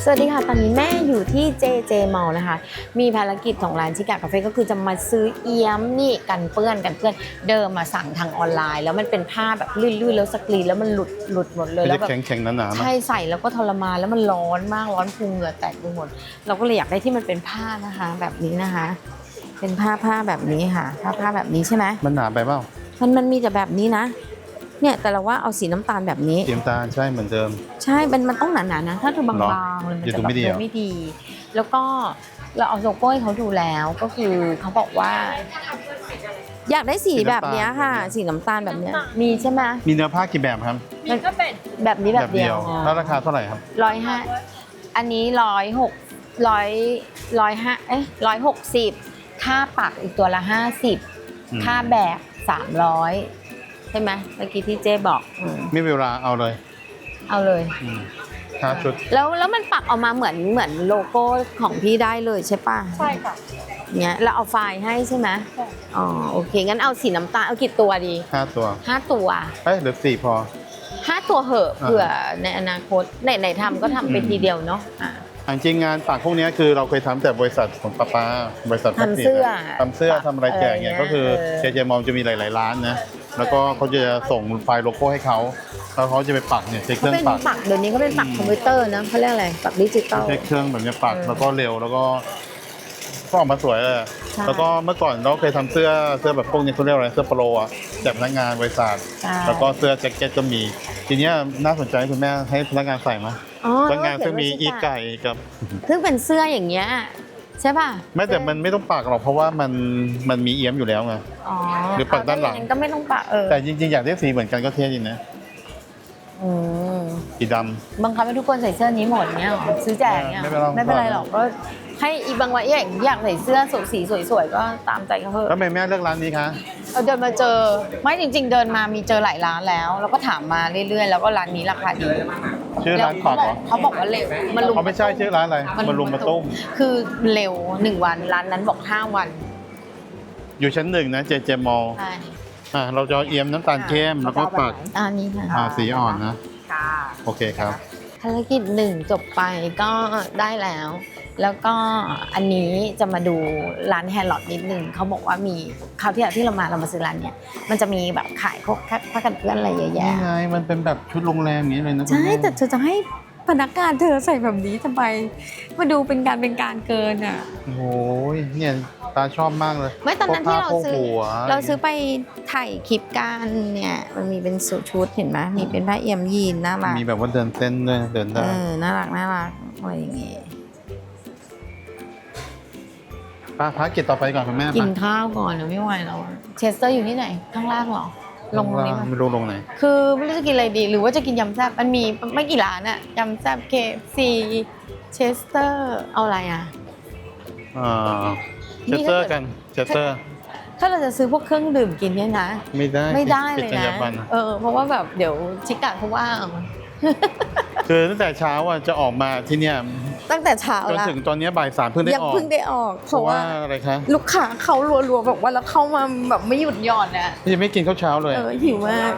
สวัสดีค่ะตอนนี้แม่อยู่ที่ JJ Mall นะคะมีภารกิจของร้านชิกะคาเฟ่ก็คือจะมาซื้อเอี้ยมนี่กันเปื้อนเดิมมาสั่งทางออนไลน์แล้วมันเป็นผ้าแบบลื่นๆแล้วสกรีนแล้วมันหลุดหมดเลยแล้วแบบแข็งๆหนาๆใช่ใส่แล้วก็ทรมานแล้วมันร้อนมากร้อนพุงเหงื่อแตกไปหมดเราก็เลยอยากได้ที่มันเป็นผ้านะคะแบบนี้นะคะเป็นผ้าแบบนี้ค่ะผ้าแบบนี้ใช่ไหมมันหนาไปเปล่ามันมีแต่แบบนี้นะเนี่ยแต่เราว่าเอาสีน้ำตาลแบบนี้สีน้ำตาลใช่เหมือนเดิมใช่มันต้องหนาๆนะถ้าเธอบางๆเลยมันจะแบบไม่ดีแล้วก็เราเอาโลโก้ให้เขาดูแล้วก็คือเขาบอกว่าอยากได้สีแบบนี้ค่ะสีน้ำตาลแบบนี้มีใช่ไหมมีเนื้อผ้ากี่แบบครับมีก็เป็นแบบนี้แบบเดียวแล้วราคาเท่าไหร่ครับ 150อันนี้160ค่าปักอีกตัวละ50ค่าแบก300ใช่ไหมเมื่อกี้ที่เจ๊บอกไม่เวลาเอาเลยชุดแล้วมันปักออกมาเหมือนโลโก้ของพี่ได้เลยใช่ป่ะใช่ค่ะเนี่ยเราเอาไฟล์ให้ใช่ไหมอ๋อโอเคงั้นเอาสีน้ำตาลเอากี่ตัวดี 5 ตัวหรือ4พอ 5ตัวเหอะเผื่อในอนาคตไหนทำก็ทำไปทีเดียวเนาะจริงงานปักพวกนี้คือเราเคยทำแต่บริษัทของป้าบริษัททำเสื้อทำอะไรแจกเนี่ยก็คือJJ Mallจะมีหลายๆร้านนะแล้วก็เขาจะส่งไฟล์โลโก้ให้เขาแล้วเขาจะไปปักเนี่ยใช้เครื่องปักเดี๋ยวนี้ก็เป็นปักคอมพิวเตอร์นะเขาเรียกอะไรปักดิจิตอลใช้เครื่องแบบนี้ปักแล้วก็เร็วแล้วก็ออกมาสวยเลยแล้วก็เมื่อก่อนเราเคยทำเสื้อแบบพวกนี้เขาเรียกอะไรเสื้อโปโลอ่ะแจกพนักงานบริษัทแล้วก็เสื้อแจ็คเก็ตก็มีทีนี้น่าสนใจคุณแม่ให้พนักงานใส่ไหมพนักงานซึ่งมีอีไก่กับซึ่งเป็นเสื้ออย่างเงี้ยใช่ป่ะไม่แต่มันไม่ต้องปักหรอกเพราะว่ามันมีเอี้ยมอยู่แล้วไงหรือปักด้านหลังก็ไม่ต้องปักแต่จริงๆอยากได้สีเหมือนกันก็เท่ดีนะสีดำบังคับให้ทุกคนใส่เสื้อนี้หมดเนี่ยซื้อแจกเนี่ยไม่เป็นไรหรอกก็ให้อีบางวันอยากใส่เสื้อสีสวยๆก็ตามใจเขาเถอะแล้วแม่เลือกร้านนี้คะเดินมาเจอไม่จริงๆเดินมามีเจอหลายร้านแล้วก็ถามมาเรื่อยๆแล้วก็ร้านนี้ราคาดีชื่อร้านปักเหรอเขาบอกว่าเร็วมันลุมเขาไม่ใช่ชื่อร้านอะไรมันลุมมาตุ้มคือเร็ว1 วันร้านนั้นบอก5 วันอยู่ชั้น1นะJJ Mallเราจะเอี้ยมน้ำตาลเข้มแล้วก็ปักนี้ค่ะสีอ่อนนะโอเคครับภารกิจ1จบไปก็ได้แล้วก็อันนี้จะมาดูร้านแฮร์ลอตนิดนึงเขาบอกว่ามีคราวที่เรามาซื้อร้านเนี่ยมันจะมีแบบขายพวกผ้ากันเปื้อนอะไรเยอะแยะนี่ไงมันเป็นแบบชุดโรงแรมอย่างนี้เลยนะใช่แต่เธอจะให้พนักงานเธอใส่แบบนี้ทำไมมาดูเป็นการเกินอ่ะโอ้ยเนี่ยตาชอบมากเลยไม่ตอนนั้นที่เราซื้อไปถ่ายคลิปกันเนี่ยมันมีเป็นชุดเห็นไหมมีเป็นผ้าเอี่ยมยีนน่ารักมีแบบว่าเดินเต้นด้วยเดินได้น่ารักอะไรอย่างงี้ภารกิจต่อไปก่อนคุณแม่กินข้าวก่อนไม่ไหวแล้วเชสเตอร์อยู่ที่ไหนข้างล่างหรอลงนี้ไม่รู้ลงไหนคือไม่รู้จะกินอะไรดีหรือว่าจะกินยำแซ่บมันมีไม่กี่ร้านอะยำแซ่บKFCเชสเตอร์เอาอะไรอะเชสเตอร์กันเชสเตอร์ถ้าเราจะซื้อพวกเครื่องดื่มกินเนี่ยนะไม่ได้เลยนะเพราะว่าแบบเดี๋ยวชิกะเขาว่าคือตั้งแต่เช้าจะออกมาที่เนี่ยตั้งแต่เช้าจนถึงตอนนี้บ่าย 3เพิ่งได้ออกเพราะว่าอะไรคะลูกค้าเขารัวๆแบบว่าแล้วเข้ามาแบบไม่หยุดหย่อนอ่ะยังไม่กินข้าวเช้าเลยหิวมาก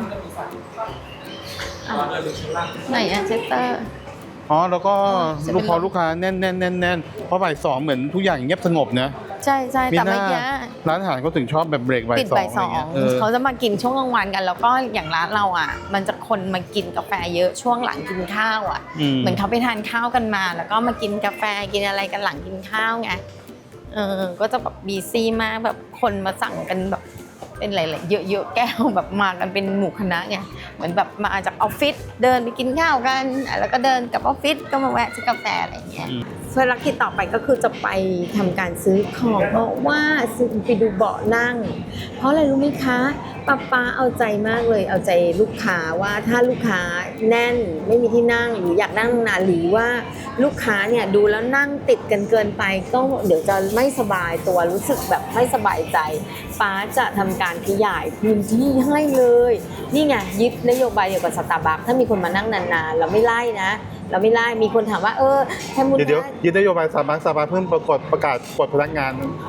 ไหนอะเชสเตอร์แล้วก็ลูกค้าแน่นเพราะบ่าย 2เหมือนทุกอย่างเงียบสงบนะใช่แต่ไม่เยอะร้านอาหารเขาถึงชอบแบบเบรกบ่าย 2 เขาจะมากินช่วงกลางวันกันแล้วก็อย่างร้านเราอ่ะมันจะคนมากินกาแฟเยอะช่วงหลังกินข้าวอ่ะเหมือนเขาไปทานข้าวกันมาแล้วก็มากินกาแฟกินอะไรกันหลังกินข้าวไงก็จะแบบบีซี่มากแบบคนมาสั่งกันแบบเป็นหลายๆเยอะๆแก้วแบบมากันเป็นหมู่คณะไงเหมือนแบบมาจากออฟฟิศเดินไปกินข้าวกันแล้วก็เดินกลับออฟฟิศก็มาแวะซื้อกาแฟอะไรอย่างเงี้ยภารกิจต่อไปก็คือจะไปทำการซื้อของเพราะว่าซื้อไปดูเบาะนั่งเพราะอะไรรู้ไหมคะป้าเอาใจมากเลยเอาใจลูกค้าว่าถ้าลูกค้าแน่นไม่มีที่นั่งหรืออยากนั่งนานหรือว่าลูกค้าเนี่ยดูแล้วนั่งติดกันเกินไปก็เดี๋ยวจะไม่สบายตัวรู้สึกแบบไม่สบายใจป้าจะทำการขยายพื้นที่ให้เลยนี่ไงยึดนโยบายเดียวกับสตาร์บัคถ้ามีคนมานั่งนานๆเราไม่ไล่นะเราไม่ไล่มีคนถามว่าแค่มุนเดี๋ยวยึดนโยบายสตาร์บัคเพิ่งประกาศกฎพนักงาน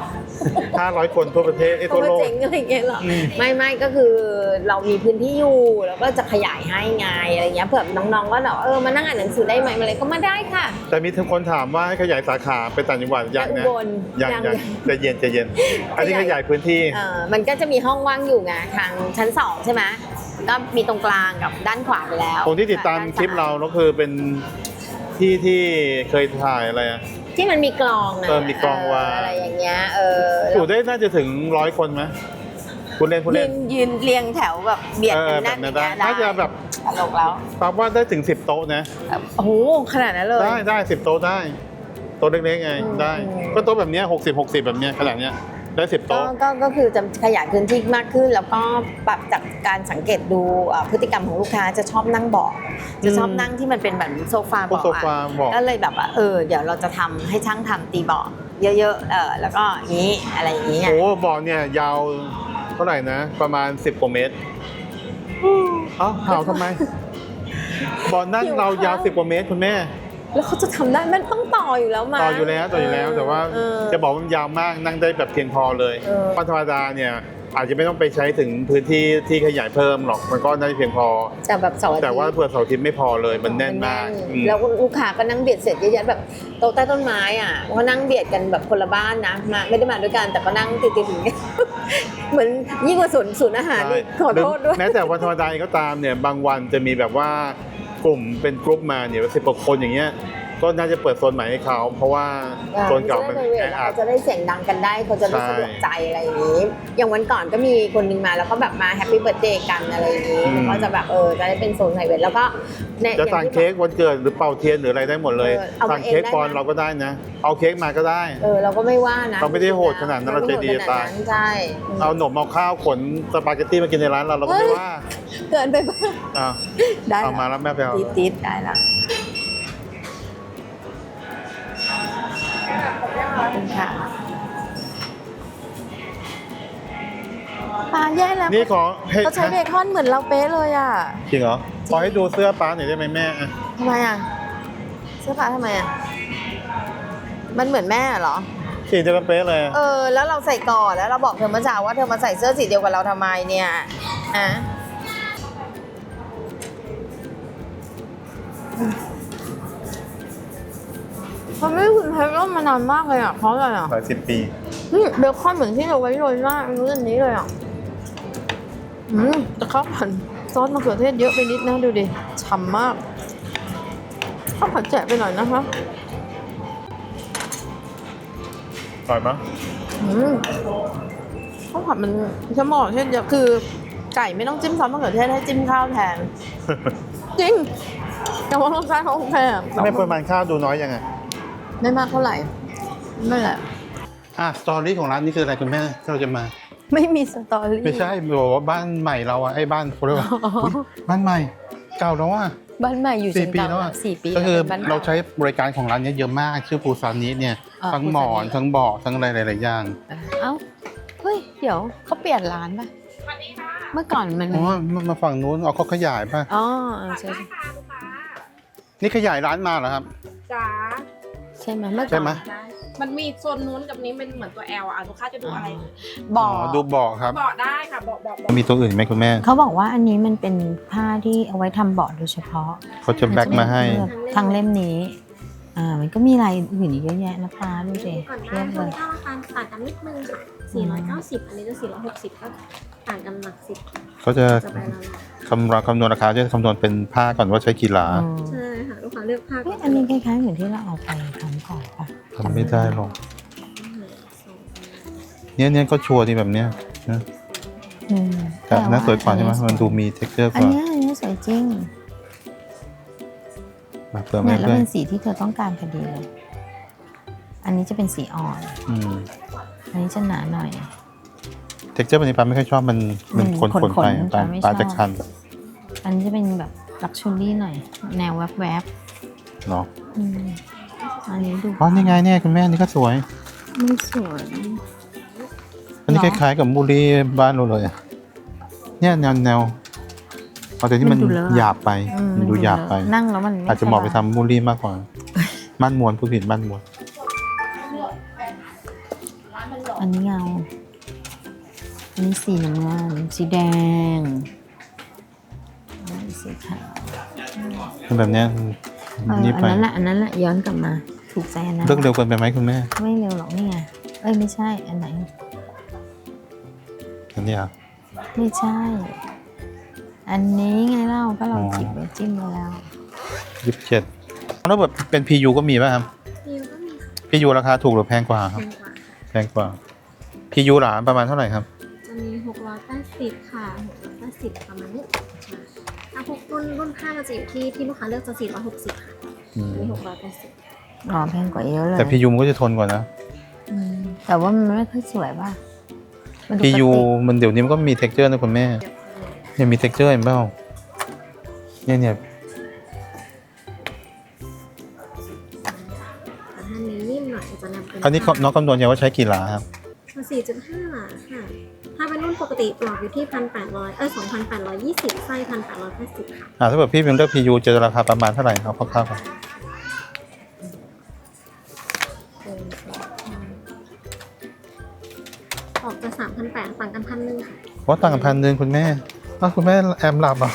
500 คนทั่วประเทศทั่วโลกเจ๋งอะไรเงี้ยหรอไม่ก็คือเรามีพื้นที่อยู่แล้วก็จะขยายให้ไงอะไรเงี้ยเผื่อน้องๆก็แบบมานั่งอ่านหนังสือได้ไหมอะไรก็มาได้ค่ะแต่มีทั้งคนถามว่าให้ขยายสาขาไปต่างจังหวัดยังนะยังใจเย็นอันนี้ขยายพื้นที่มันก็จะมีห้องว่างอยู่ไงทางชั้น2ใช่ไหมก็มีตรงกลางกับด้านขวาไปแล้วคนที่ติดตามคลิปเราก็คือเป็นที่เคยถ่ายอะไรอะที่มันมีกลองนะมีกลองว่าอะไรอย่างเงี้ยอยู่ได้น่าจะถึง100 คนไหมคุณเล่นยืนเรียงแถวแบบเบียดกันนั่นอย่างเงี้ยน่าจะแบบตลกแล้วตามว่าได้ถึง10 โต๊ะนะโอ้โหขนาดนั้นเลยได้10 โต๊ะได้โต๊ะเล็กๆไงได้ก็โต๊ะแบบนี้60แบบนี้ขนาดเนี้ยได้10 โต๊ะก็คือจะขยายพื้นที่มากขึ้นแล้วก็ปรับจากการสังเกตดูพฤติกรรมของลูกค้าจะชอบนั่งเบาะจะชอบนั่งที่มันเป็นแบบโซฟาเบาะก็เลยแบบว่าเดี๋ยวเราจะทำให้ช่างทำตีเบาะเยอะๆแล้วก็นี้อะไรอย่างนี้โอ้เบาะเนี่ยยาวเท่าไหร่นะประมาณ10 กว่าเมตรเห่าทำไมเบาะนั่งเรายาว10 กว่าเมตรคุณแม่แล้วเขาจะทำได้มันต้องต่ออยู่แล้วต่ออยู่แล้วแต่ว่าจะบอกมันยาวมากนั่งได้แบบเพียงพอเลยวันธรรมดาเนี่ยอาจจะไม่ต้องไปใช้ถึงพื้นที่ที่ขยายเพิ่มหรอกมันก็ได้เพียงพอแต่ว่าเผื่อเสาร์อาทิตย์ไม่พอเลยมันแน่นมากแล้วลูกค้าก็นั่งเบียดเสร็จเยอะๆแบบโต๊ะใต้ต้นไม้อ่ะก็นั่งเบียดกันแบบคนละบ้านนะมาไม่ได้มาด้วยกันแต่ก็นั่งติดๆอย่างเงี้ยเหมือนยิ่งกว่าศูนย์อาหารนี่ขอโทษด้วยแม้แต่วันธรรมดาก็ตามเนี่ยบางวันจะมีแบบว่ากลุ่มเป็นกลุ่มมาเนี่ย10 กว่าคนอย่างเงี้ยก็น่าจะเปิดโซนใหม่ให้เขาเพราะว่าโซนเก่ามันแออัดจะได้เสียงดังกันได้เขาจะได้สะดวกใจอะไรอย่างนี้อย่างวันก่อนก็มีคนนึงมาแล้วก็แบบมาแฮปปี้เบิร์ธเดย์กันอะไรอย่างนี้ก็จะแบบจะได้เป็นโซนไพรเวทแล้วก็จะสั่งเค้กวันเกิดหรือเป่าเทียนหรืออะไรได้หมดเลยสั่งเค้กปอนเราก็ได้นะเอาเค้กมาก็ได้เราก็ไม่ว่านะเราไม่ได้โหดขนาดนั้นเราใจดีตายใช่เอาหนมเอาข้าวขนสปาเกตตี้มากินในร้านเราก็ไม่ว่าเกินไปบ้างได้เอามาแล้วแม่ไปเอาติดได้ละค่ะป้าแย่แล้วนี่ขอเขาใช้เบคอนเหมือนเราเป๊ะเลยอ่ะจริงเหรอขอให้ดูเสื้อป้าหน่อยได้ไหมแม่ทำไมอ่ะเสื้อป้าทำไมอ่ะมันเหมือนแม่เหรอสีเดียวกันเป๊ะเลยแล้วเราใส่ก่อนแล้วเราบอกเธอเมื่อเช้าว่าเธอมาใส่เสื้อสีเดียวกับเราทำไมเนี่ยมันไม่คุ้นเคยร่มมานานมากเลยอ่ะเพราะอะไรอ่ะหลาย10 ปีเบคอนเหมือนที่เราไว้โรยหน้ารู้อันนี้เลยอ่ะแต่ข้าวผัดซอสมะเขือเทศเยอะไปนิดนะดูดิฉ่ำมากข้าวผัดแฉะไปหน่อยนะคะอร่อยไหมข้าวผัดมันใช้มะเขือเทศเยอะคือไก่ไม่ต้องจิ้มซอสมะเขือเทศให้จิ้มข้าวแทนจริงแต่ว่ารสชาติเขาโอเคไม่ปริมาณข้าวดูน้อยยังไงไม่มากเท่าไหร่ไม่แหละสตอรี่ของร้านนี้คืออะไรคุณแม่ที่เราจะมาไม่มีสตอรี่ไม่ใช่บอกว่าบ้านใหม่เราไอ้บ้านเขาเรียกว่าบ้านใหม่เก่าแล้วบ้านใหม่อยู่ 4 ปีแล้ว 4 ปีก็คือเราใช้บริการของร้านนี้เยอะมากชื่อปูซานิเนี่ยทั้งหมอนทั้งเบาะทั้งอะไรหลายๆอย่างเฮ้ยเดี๋ยวเขาเปลี่ยนร้านป่ะเมื่อก่อนมันมาฝั่งนู้นเขาขยายป่ะใช่นี่ขยายร้านมาเหรอครับจ้าใช่ไหมเมื่อก่อนมันมีโซนนู้นกับนี้เป็นเหมือนตัว L ลูกค้าจะดูอะไรดูเบาะครับเบาะได้ค่ะเบาะมีตัวอื่นไหมคุณแม่เขาบอกว่าอันนี้มันเป็นผ้าที่เอาไว้ทำเบาะโดยเฉพาะเขาจะแบ็คมาให้ทางเล่มนี้มันก็มีลายอื่นอีกเยอะแยะนะป้าดูสิเทียบเลยถ้าราคาต่างกันนิดนึงค่ะ490อันนี้จะ460ก็ต่างกันหลัก10 เขาจะคำนวณราคาจะคำนวณเป็นผ้าก่อนว่าใช้กี่หลาใช่ค่ะลูกค้าเลือกผ้าอันนี้คล้ายๆเหมือนที่เราเอาไปทำก่อนป่ะทำไม่ได้หรอกเนี่ยก็ชัวร์ที่แบบเนี้ยนะแต่น่าสวยกว่าใช่ไหมมันดูมีเท็กเจอร์กว่าอันนี้สวยจริงเนี่ยแล้วเป็นสีที่เธอต้องการพอดีเลยอันนี้จะเป็นสีอ่อนอันนี้จะหนาหน่อยเท็กเจอร์แบบนี้ป้าไม่ค่อยชอบมันคนไปป้าจะคันอันนี้จะเป็นแบบลักชัวรี่หน่อยแนวแวบเนาะอันนี้ดูนี่ไงเนี่ยคุณแม่นี่ก็สวยไม่สวยอันนี้คล้ายๆกับมูลี่บ้านเราเลยเนี่ยแนวแต่ที่มันหยาบไปมันดูหยาบไปนั่งแล้วมันอาจจะเหมาะไปทำมูลี่มากกว่าบ้านมวนผู้ผิดบ้านมวนอันนี้เงา อันนี้สีน้ำเงินสีแดงอันนี้สีขาวแบบเนี้ย นี่ไปอันนั้นแหละย้อนกลับมา ถูกใจอันนั้นเลิกเร็วเกินไปไหมคุณแม่ไม่เร็วหรอกนี่ไง เอ้ยไม่ใช่ อันไหนอันนี้อ่ะไม่ใช่ อันนี้ไงเล่าก็เราอ๋อจิบไว้จิ้มไว้แล้ว 27แล้วแบบเป็น PU ก็มีป่ะครับนิวก็มีค่ะ PU ราคาถูกหรือแพงกว่าคแพรับงกว่าค่ะแพงกว่า PU หลานประมาณเท่าไหร่ครับจะมี680ค่ะ680ประมาณนี้ใช่ถ้าพวกรุ่นผ้ามันจะอยู่ที่ลูกค้าเลือกจะ460ค่ะอืมอันนี้680 อ๋อแพงกว่าเยอะเลยแต่ PU มันก็จะทนกว่านะอืมแต่ว่ามันไม่ค่อยสวยป่ะมันดู PU กระติกมันเดี๋ยวนี้มันก็มี texture นะคุณแม่ เนี่ยมี texture เห็นเปล่าเนี่ยแต่ถ้าเน้นนิ่มหน่อยจะนำเป็นอันนี้น้องคำนวณยังว่าใช้กี่หลาครับ 4.5 หลาค่ะ ถ้าเป็นรุ่นปกติปลอกอยู่ที่ 2,820 ไส้ 1,880 ค่ะถ้าเกิดพี่เป็นเลือก PU จะราคาประมาณเท่าไหร่ครับคร่าวๆครับออกจะ 3,800 ต่างกัน1,000 ค่ะเพราะต่างกัน1,000คุณแม่อ้าวคุณแม่แอมหลับเหรอ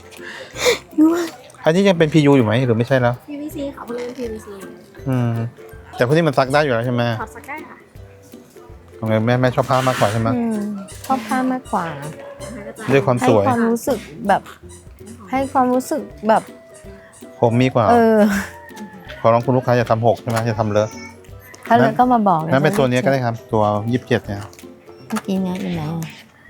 อันนี้ยังเป็น PU อยู่ไหมหรือไม่ใช่แล้ว PVC ค่ะเพราะเป็น PVC อืม แต่พวกนี้มันซักได้อยู่แล้วใช่ไหมถอดสกัดค่ะทำไมแม่ชอบผ้ามากกว่าใช่ไหมอืมชอบผ้ามากกว่านะคะก็จะด้วยความให้สวยความรู้สึกแบบ ให้ความรู้สึกแบบผมมีกว่าเออขอร้องคุณลูกค้าอย่าทำหกใช่ไหมอย่าทำเลอะเขาเลยก็มาบอกเลยนั่นเป็นตัวนี้ก็ได้ครับ ตัว27เนี่ยเมื่อกี้เนี้ยอยู่ไหนอ่ะ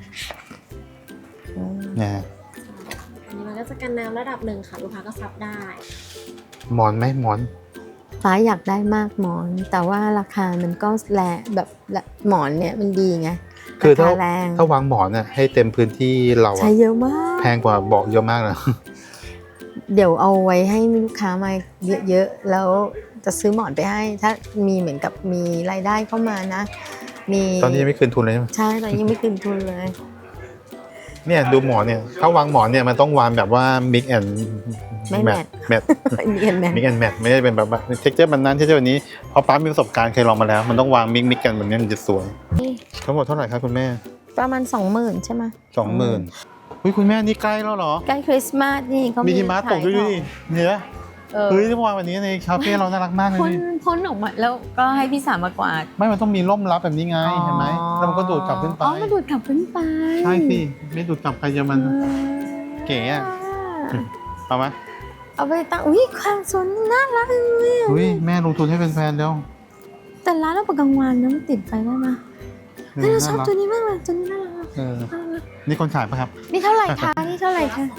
อืมเนี่ยอันนี้มันก็จะกันน้ำระดับหนึ่งค่ะ ลูกค้าก็ซับได้หมอนไหมหมอนฟ้าอยากได้มากหมอน แต่ว่าราคามันก็แรงแบบหมอนเนี่ยมันดีไงคือถ้าราคาแรงถ้าวางหมอนเนี่ยให้เต็มพื้นที่เราใช้อะเยอะมากแพงกว่าเบาะเยอะมากนะเดี๋ยวเอาไว้ให้ลูกค้ามาเยอะๆแล้วจะซื้อหมอนไปให้ ถ้ามีเหมือนกับมีรายได้เข้ามานะ มีตอนนี้ยังไม่คืนทุนเลยใช่ไหมใช่ตอนนี้ยังไม่คืนทุนเลยเนี่ยดูหมอนเนี่ยถ้าวางหมอนเนี่ยมันต้องวางแบบว่า mix and ไม่ match เนียนแมน mix and match ไม่ได้เป็นแบบว่า texture มันนั้น texture แบบนี้เพราะป้ามีประสบการณ์เคยลองมาแล้ว มันต้องวาง mix กันแบบนี้มันจะสวยทั้งหมดเท่าไหร่ครับคุณแม่ประมาณ 20,000 ใช่ไหม 20,000อุ้ยคุณแม่นี่ใกล้แล้วเหรอใกล้คริสต์มาสนี่เขามีมีหิมะตกด้วยขายดิเนี่ยเออเฮ้ยที่วางแบบนี้ในคาเฟ่เราน่ารักมากเลยพ่นดิพ่นออกมาแล้วก็ให้พี่สามมากวาดไม่มันต้องมีร่มรับแบบนี้ไงเห็นไหมแล้วมันก็ดูดกลับขึ้นไปอ๋อมันดูดกลับขึ้นไปใช่สิไม่ดูดกลับใครจะมัน เก๋อะ เอาไหมเอาไปตั้งอุ้ยความสนน่ารักเลยอะอุ้ยแม่ลงทุนให้เป็นแฟนแล้วแต่ร้านเราประกลางวันนะมันติดไฟได้ไหมแต่เราชอบตัวนี้มากเลยตัวนี้น่ารักเออนี่คนขายปะครับนี่เท่าไหร่คะนี่เท่าไหร่คะ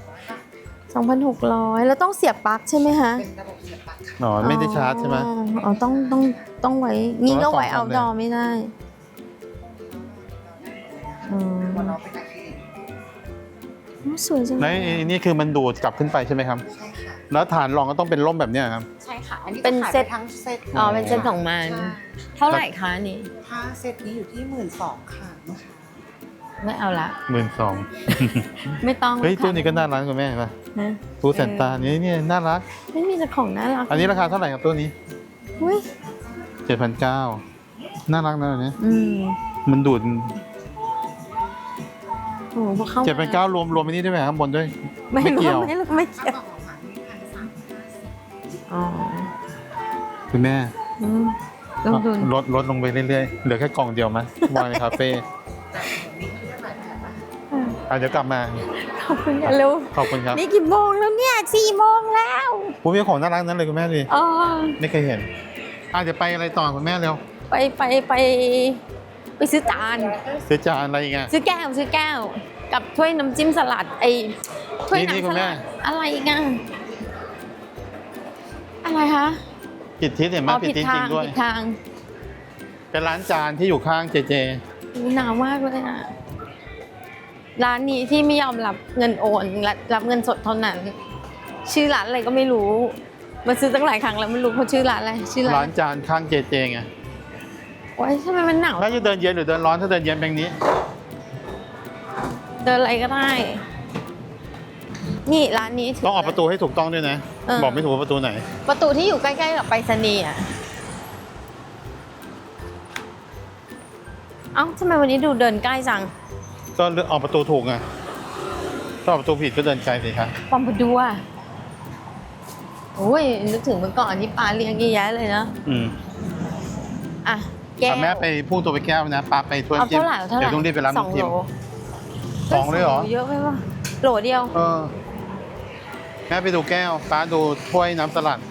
2,600แล้วต้องเสียบปลั๊กใช่ไหมคะอ๋อไม่ได้ชาร์จใช่ไหมอ๋อต้องไว้งี้ก็ไว้ตัวละเอาดอ 2,000 ไม่ได้อืมโอ้สวยจังแล้วไอ้นี่คือมันดูดกลับขึ้นไปใช่ไหมครับ แล้วฐานรองก็ต้องเป็นร่มแบบเนี้ยครับใช่ค่ะ อันนี้เป็นขายเซ็ตทั้งเซ็ตอ๋อเป็นเซ็ตของมันใช่เท่าไหร่คะอันนี่ถ้าเซ็ตนี้อยู่ที่12,000ค่ะลูกค้าไม่เอาละ 12,000 ไม่ต้องเฮ้ยค่ะตู้นี้ก็น่ารักคุณแม่ป่ะนะตู้แซนต้านี่เนี่ยน่ารักไม่มีแต่ของน่ารักอันนี้ราคาเท่าไหร่ครับตู้นี้อุ้ย 7,900น่ารักนะอันนี้อืมมันดูดโอ้โหพอเข้ามา 7,900รวมอันนี้ด้วยไหมข้างบนด้วยไม่ไม่เกี่ยวไม่เกี่ยวออกมา1,350 อ๋อคุณแม่อืมลงทุนลดลงไปเรื่อยๆเหลือแค่กล่องเดียวมั้ยวางในคาเฟ่เดี๋ยวกลับมาขอบคุณค่ะเร็วขอบคุณครับนี่กี่โมงแล้วเนี่ย4 โมงแล้วผู้มีของน่ารักนั้นเลยคุณแม่ดิอ๋อไม่เคยเห็นเดี๋ยวไปอะไรต่อคุณแม่เร็วไปซื้อจานซื้อจานอะไรอีกอ่ะซื้อแก้ว กับถ้วยน้ำจิ้มสลัดไอ้ถ้วยนี่น้ำคุสณแม่ลัดอะไรอีกันอะไรคะผิดทิศเห็นไหมอ๋อผิดทิศจริงด้วยผิดทางเป็นร้านจานที่อยู่ข้างเจเจหนาวมากเลยอ่ะร้านนี้ที่ไม่ยอมรับเงินโอนรับเงินสดเท่านั้น ชื่อร้านอะไรก็ไม่รู้มาซื้อตั้งหลายครั้งแล้วไม่รู้เขาชื่อร้านอะไรชื่อร้าร้าน นจานข้างเจเจไงโอ๊ยทำไมมันหนาวน่าจะเดินเย็นหรือเดินร้อนถ้าเดินเย็นแบบนี้เดินอะไรก็ได้ นี่ร้านนี้ต้องออกประตูให้ถูกต้องด้วยนะ บอกไม่ถูกว่าประตูไหนประตูที่อยู่ใกล้ๆกับไปรษณีย์อ่ะเอ้าทำไมวันนี้ดูเดินใกล้จังก็ออกประตูถูกไงถ้าออกประตูผิดก็เดินไกลสิคะปอมปดัวโอ้ยนึกถึงเมื่อก่อนที่ป้าเลี้ยงเยอะแยะเลยนะ อ่ะแก้วแม่ไปพุ่งตัวไปแก้วนะปลาไปถ้วยเอาจิ้มเท่าไหร่เอาเท่าไหร่เดี๋ยวต้องรีบไปร้านสองจิ้โหลม 2เลยเหรอเยอะไปปะโหลเดียวแม่ไปดูแก้วป้าดูถ้วยน้ำสลัด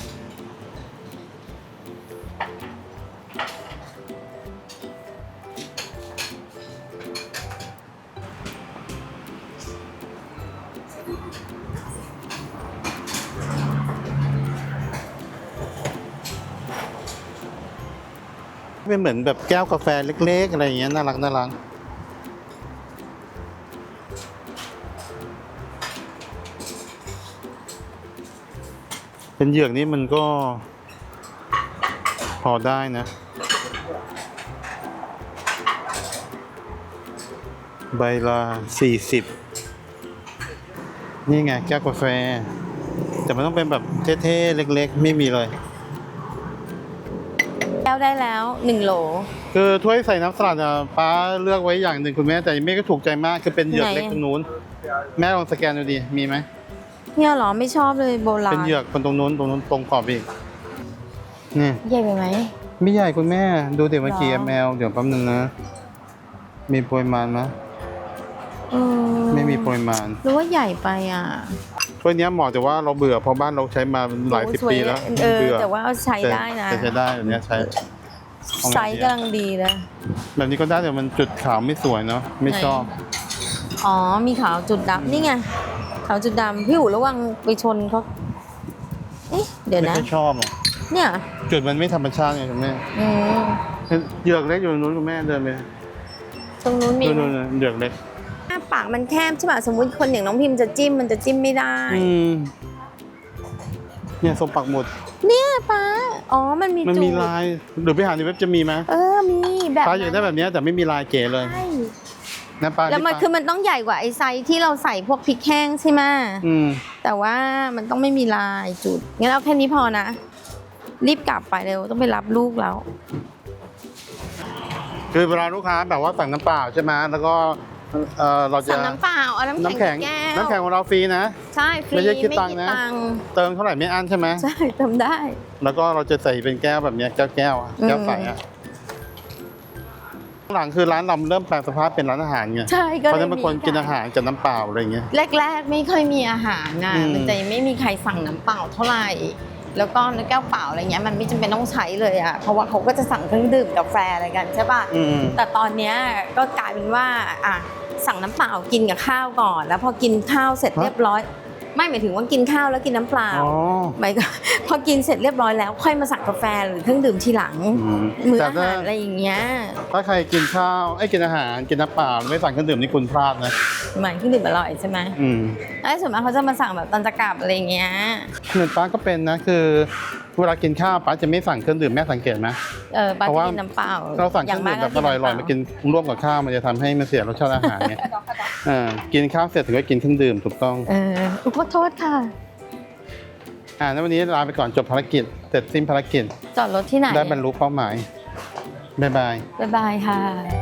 เป็นเหมือนแบบแก้วกาแฟเล็กๆอะไรอย่างเงี้ยน่ารักน่ารักเป็นเหยือกนี่มันก็พอได้นะใบละ40นี่ไงแก้วกาแฟแต่มันต้องเป็นแบบเท่ๆเล็กๆไม่มีเลยแก้วได้แล้ว1โหลคือถ้วยใส่น้ำสลัดอ่ะป้าเลือกไว้อย่างหนึ่งคุณแม่แต่ไม่ก็ถูกใจมากคือเป็นเหยือกเล็กตรงนู้นแม่ลองสแกนดูดิมีไหมเนี่ยเหรอไม่ชอบเลยโบราณเป็นเหยือกคนตรงนู้นตรงขอบอีกนี่ใหญ่ไปไหมไม่ใหญ่คุณแม่ดูเดี๋ยวเมื่อกี้หรอ ml เดี๋ยวแป๊บนึงนะมีปริมาณไหมเออไม่มีปริมาณหรือว่าใหญ่ไปอ่ะถ้วยเนี้ยเหมาะแต่ว่าเราเบื่อเพราะบ้านเราใช้มาหลายสิบโอ้สวปีแล้วเออเบื่อแต่ว่าเอาใช้ได้นะแต่ใช้ได้แบบเนี้ยใช้ไซส์กำลังดีเลยแบบนี้ก็ได้แต่มันจุดขาวไม่สวยเนาะไม่ชอบอ๋อมีขาวจุดดำนี่ไงขาวจุดดำพี่อู๋ระวังไปชนเขาเอ๊ะเดี๋ยวไม่นะค่อยชอบหรอกเนี่ยจุดมันไม่ธรรมชาติไงคุณแม่อืมเหยือกเล็กอยู่ตรงนู้นคุณแม่เดินไปตรงนู้นมีนู่นๆเหยือกเล็กหน้าปากมันแคบใช่ป่ะสมมุติคนอย่างน้องพิมพ์จะจิ้มมันจะจิ้มไม่ได้เนี่ยทรงปักหมุดเนี่ยป้าอ๋อมันมีมันจุดมีลายหรือไปหาในเว็บจะมีไหมมีแบบป้าอยากได้แบบเนี้ยแต่ไม่มีลายเก๋เลยใช่นะป้าแล้วมันที่คือมันต้องใหญ่กว่าไอ้ไซส์ที่เราใส่พวกพริกแห้งใช่ไหมอืมแต่ว่ามันต้องไม่มีลายจุดงั้นเอาแค่นี้พอนะ รีบกลับไปเร็วต้องไปรับลูกแล้วคือเวลาลูกค้าแบบว่าสั่งน้ำเปล่าใช่ไหมแล้วก็เราจะสั่งน้ำเปล่าเอาน้ำน้ำแข็แข็งงแก้วน้ำแข็งของเราฟรีนะใช่ฟรีไม่ใช่คิดตังค์นะ เติมเท่าไหร่ไม่อั้นใช่ไหมใช่ทำได้แล้วก็เราจะใส่เป็นแก้วแบบเนี้ยแก้วอะแก้วใสอะหลังคือร้านเราเริ่มแปลงสภาพเป็นร้านอาหารไงใช่ก็เพราะฉะเลนั้ยนบางคนกินอาหารกับน้ำเปล่าอะไรอย่างเงี้ยแรกๆไม่ค่อยมีอาหารนะอืมมันจะไม่มีใครสั่งน้ำเปล่าเท่าไหร่แล้วก็แก้วเปล่าอะไรเงี้ยมันไม่จำเป็นต้องใช้เลยอ่ะเพราะว่าเขาก็จะสั่งเครื่องดื่มกาแฟอะไรกันใช่ป่ะอืมแต่ตอนเนี้ยก็กลายเป็นว่าอ่ะสั่งน้ำเปล่ากินกับข้าวก่อน แล้วพอกินข้าวเสร็จเรียบร้อย ไม่หมายถึงว่ากินข้าวแล้วกินน้ำเปล่าอ๋อหมายก็ พอกินเสร็จเรียบร้อยแล้วค่อยมาสั่งกาแฟหรือเครื่องดื่มทีหลัง มื้อแต่อาหารอะไรอย่างเงี้ยถ้าใครกินข้าวกินอาหารกินน้ำเปล่าไม่สั่งเครื่องดื่มนี่คุณพลาดนะหมายเครื่องดื่มอร่อยใช่ไหมอืมแล้วส่วนมากเขาจะมาสั่งแบบตอนจะกลับอะไรอย่างเงี้ยเหมือนป้าก็เป็นนะคือเวลากินข้าวป้าจะไม่สั่งเครื่องดื่มแม่สังเกตไหมปาเพราะจะว่ากินน้ำเปล่าเราสั่งเครื่องดื่มแบบอร่อยๆมากินร่วมกับข้าวมันจะทำให้มันเสียรสชาติอาหารเนี่ยกินข้าวเสร็จถึงจะกินเครื่องดื่มถูกต้องขอโทษค่ะแล้ววันนี้ลาไปก่อนจบภารกิจเสร็จสิ้นภารกิจจอดรถที่ไหนได้บรรลุเป้าหมายบ๊ายบายบ๊ายบายค่ะ